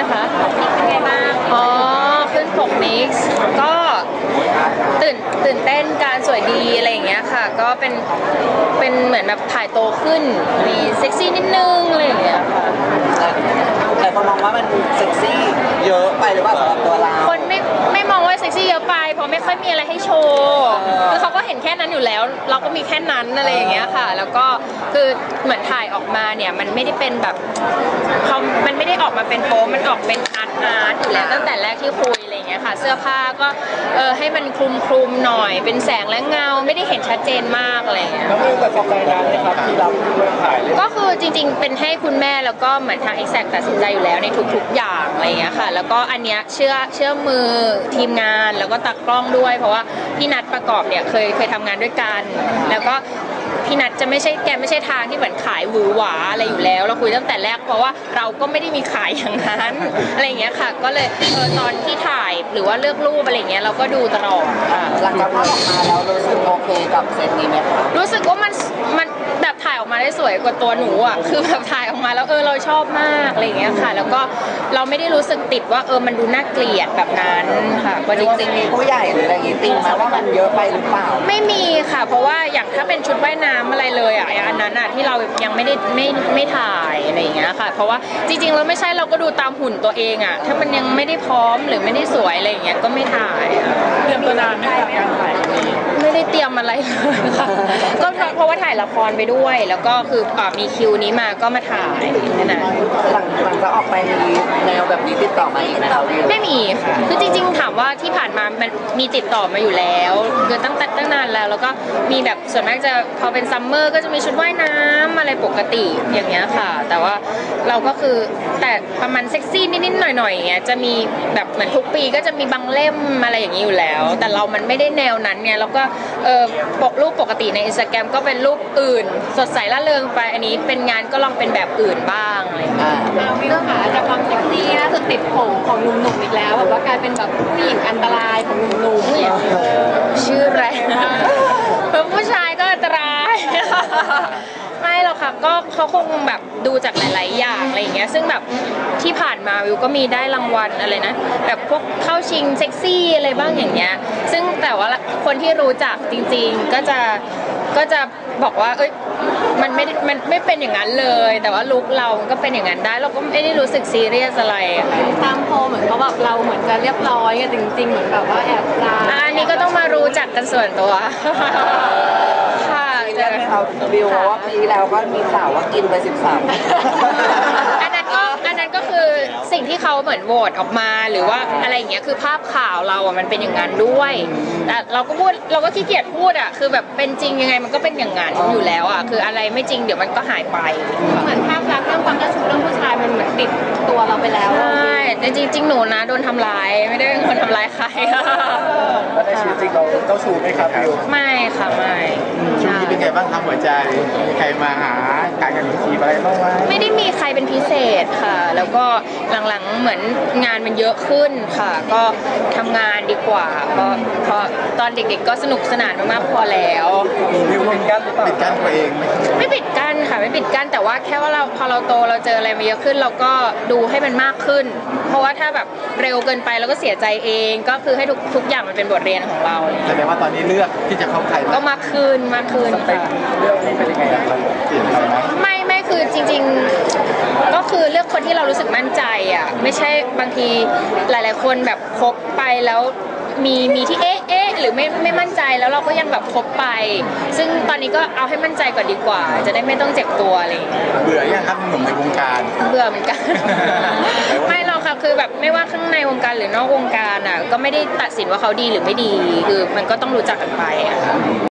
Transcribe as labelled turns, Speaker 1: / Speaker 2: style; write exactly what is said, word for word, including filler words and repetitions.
Speaker 1: นะคะเป็นไงบ้างอ๋อขึ้นปกนิกส์ก็ตื่นตื่นเต้นการสวยดีอะไรอย่างเงี้ยค่ะก็เป็นเป็นเหมือนแบบถ่ายโตขึ้นมีเซ็กซี่นิดนึงอะไรอย่างเงี้ยค่ะ
Speaker 2: แต่คนมองว่ามันเซ็กซี่เยอะไปหรือเปล่าสำหรับตัวเรา
Speaker 1: คนไม่ไม่มองว่าเซ็กซี่เยอะไปเพราะไม่ค่อยมีอะไรให้โชว์คือเขาก็เห็นแค่นั้นอยู่แล้วเราก็มีแค่นั้นอะไรอย่างเงี้ยค่ะแล้วก็คือเหมือนถ่ายออกมาเนี่ยมันไม่ได้เป็นแบบเขามันไม่ได้ออกมาเป็นโป๊มันออกเป็นอาร์ตอาร์ตอยู่แล้วตั้งแต่แรกที่คุยอะไรอย่างเงี้ยค่ะเสื้อผ้าก็เออให้มันคลุมคลุมหน่อยเป็นแสงและเงาไม่ได้เห็นชัดเจนมากอะไรอย่างเงี้ย
Speaker 2: แล้วมีตัดสินใจนานไหมครับที่เราถ่ายเลย
Speaker 1: ก็คือจริงๆเป็นให้คุณแม่แล้วก็เหมือนทาง Exact ตัดสินใจอยู่แล้วในทุกๆอย่างอะไรอย่างเงี้ยค่ะแล้วก็อันเนี้ยเชื่อเชื่อมือทีมงานแล้วก็ตากล้องด้วยเพราะว่าพี่นัทประกอบเนี่ยเคยเคยทำงานด้วยกันแล้วก็พี่นัทจะไม่ใช่แกไม่ใช่ทางที่เหมือนขายหวือหวาอะไรอยู่แล้วเราคุยตั้งแต่แรกเพราะว่าเราก็ไม่ได้มีขายอย่างนั้นอะไรอย่างเงี้ยค่ะก็เลยเออตอนที่ถ่ายหรือว่าเลือกรูปอะไรอย่างเงี้ยเราก็ดูตลอด
Speaker 2: หลังจากภาพออกมาแล้วรู้สึกโอเคกับเซตนี้ไหมคะ
Speaker 1: รู้สึกว่ามันมันแบบถ่ายออกมาได้สวยกว่าตัวหนูอ่ะคือแบบถ่ายออกมาแล้วเออเราชอบมากอะไรอย่างเงี้ยค่ะแล้วก็เราไม่ได้รู้สึกติดว่าเออมันดูน่าเกลียดแบบนั้นค่ะ
Speaker 2: จริงๆมีผู้ใหญ่หรืออะไรอย่างงี้ติงมาว่ามันเยอะไปหรือเปล่า
Speaker 1: ไม่มีค่ะเพราะว่าอย่างถ้าเป็นชุดว่ายน้ำอะไรเลยอ่ะอันนั้นอ่ะที่เรายังไม่ได้ไม่ไม่ถ่ายอะไรอย่างเงี้ยค่ะเพราะว่าจริงๆเราไม่ใช่เราก็ดูตามหุ่นตัวเองอ่ะถ้ามันยังไม่ได้พร้อมหรือไม่ได้สวยอะไรอย่างเงี้ยก็ไม่ถ่าย
Speaker 2: เตรียมตัวนานไหมคะการถ่าย
Speaker 1: ไม่ได้เตรียมอะไรเลยค่ะก็เพราะว่าถ่ายละครไปด้วยแล้วก็คือมีคิวนี้มาก็มาถ่ายนั่นแหละ
Speaker 2: หลังหลังจากออกไปมีแนวแบบนี้ติดต่อมาอีกไหมคะ
Speaker 1: ไม่มีค่ะคือจริงๆถามว่าที่ผ่านมามันมีติดต่อมาอยู่แล้วคือตั้งแต่ตั้งนานแล้วแล้วก็มีแบบส่วนมากจะพอเป็นซัมเมอร์ก็จะมีชุดว่ายน้ำอะไรปกติอย่างเงี้ยค่ะแต่ว่าเราก็คือแต่ประมาณเซ็กซี่นิดๆหน่อยๆอย่างเงี้ยจะมีแบบเหมือนทุกปีก็จะมีบางเล่มอะไรอย่างนี้อยู่แล้วแต่เรามันไม่ได้แนวนั้นไงแล้วก็เออปกรูปปกติในอินสตาแกรมก็เป็นรูปอื่นสดใสร่าเริงไปอันนี้เป็นงานก็ลองเป็นแบบอื่นบ้างอะไรอย่างเงี้ย
Speaker 3: วิวค่ะจากความเซ็กซี่ล่าสุดติดผมของหนุ่มๆอีกแล้วแบบว่ากลายเป็นแบบผู้หญิงอันตรายของหนุ่มๆเนี่ย
Speaker 1: ชื่อแรงเพิ่มผู้ชายก็อันตรายไม่หรอกค่ะก็เขาคงแบบดูจากหลายๆอย่างอะไรอย่างเงี้ยซึ่งแบบที่ผ่านมาวิวก็มีได้รางวัลอะไรนะแบบพวกเข้าชิงเซ็กซี่อะไรบ้างอย่างเงี้ยซึ่งแต่ว่าคนที่รู้จักจริงๆก็จะก็จะบอกว่าเอ้ยมันไม่มันไม่เป็นอย่างนั้นเลยแต่ว่าลุคเราก็เป็นอย่างนั้นได้เราก็ไม่ได้รู้สึกซีเรียสอะไร
Speaker 3: ตามโพเหมือนเขาแบบเราเหมือนจะเรียบร้อยกันจริงๆเหมือนแบบว่าแอบลา
Speaker 1: อันนี้ก็ต้องมารู้จักกันส่วนตัวค่ะ
Speaker 2: จะเขาวิวว่าปีแล้วก็มีข่าวว่ากินไปสิบสาม
Speaker 1: อันนั้นก็อันนั้นก็คือสิ่งที่เขาเหมือนโหวตออกมาหรือว่าอะไรอย่างเงี้ยคือภาพข่าวเราอ่ะมันเป็นอย่างนั้นด้วยแต่เราก็พูดเราก็ขี้เกียจพูดอ่ะคือแบบเป็นจริงยังไงมันก็เป็นอย่างนั้นอยู่แล้วอ่ะคืออะไรไม่จริงเดี๋ยวมันก็หายไป
Speaker 3: เหมือนภาพลักษณ์เรื่องความเจ้าชู้เรื่องผู้ชายมันเหมือนติดตัวเราไปแล้ว
Speaker 1: ใช่แต่จริงๆหนูนะโดนทำร้ายไม่ได้เป็นคนทำร้ายใคร
Speaker 2: แล้วในชีวิตจริงเราเจ้าชู้ไหมครับวิว
Speaker 1: ไม่ค่ะไม่
Speaker 4: ช่วงนี้เป็นไงบ้างทำหัวใจมีใครมาหาการกันทีอะไรบ้างไหม
Speaker 1: ไม่ได้มีใครเป็นพิเศษค่ะแล้วก็หลังๆเหมือนงานมันเยอะขึ้นค่ะก็ทำงานดีกว่าเพราะเพราะตอนเด็กๆก็สนุกสนานมากๆพอแล้ว
Speaker 4: วิวปิดกั้นหรือเปล่าปิดกั้นตัวเองไหม
Speaker 1: ไม่ปิดกั้นค่ะไม่ปิดกั้นแต่ว่าแค่ว่าเราพอเราโตเราเจออะไรมาเยอะขึ้นเราก็ดูให้มันมากขึ้นเพราะว่าถ้าแบบเร็วเกินไปเราก็เสียใจเองก็คือให้ทุกทุกอย่างมันเป็นบทเรียนของเรา
Speaker 4: แสดงว่าตอนนี้เลือกที่จะเข้าใคร
Speaker 1: ก็มากขึ้นมากขึ้นค่ะ
Speaker 4: เลือกนี้เป็นยังไงเราเปลี่ยนไปไหม
Speaker 1: ไม่ไม่คือจริงๆก็คือเลือกคนที่เรารู้สึกมั่นใจอ่ะไม่ใช่บางทีหลายๆคนแบบคบไปแล้วมีมีที่เอ๊ะเอ๊ะหรือไม่ไม่มั่นใจแล้วเราก็ยังแบบคบไปซึ่งตอนนี้ก็เอาให้มั่นใจก่อนดีกว่าจะได้ไม่ต้องเจ็บตัวอะไรอย่างเงี้ย
Speaker 4: เบื่อยังครับหนุ่มในวงการ
Speaker 1: เบื่อเหมือนกันไม่หรอกค่ะคือแบบไม่ว่าข้างในวงการหรือนอกวงการอ่ะก็ไม่ได้ตัดสินว่าเขาดีหรือไม่ดีคือมันก็ต้องรู้จักกันไปอ่ะ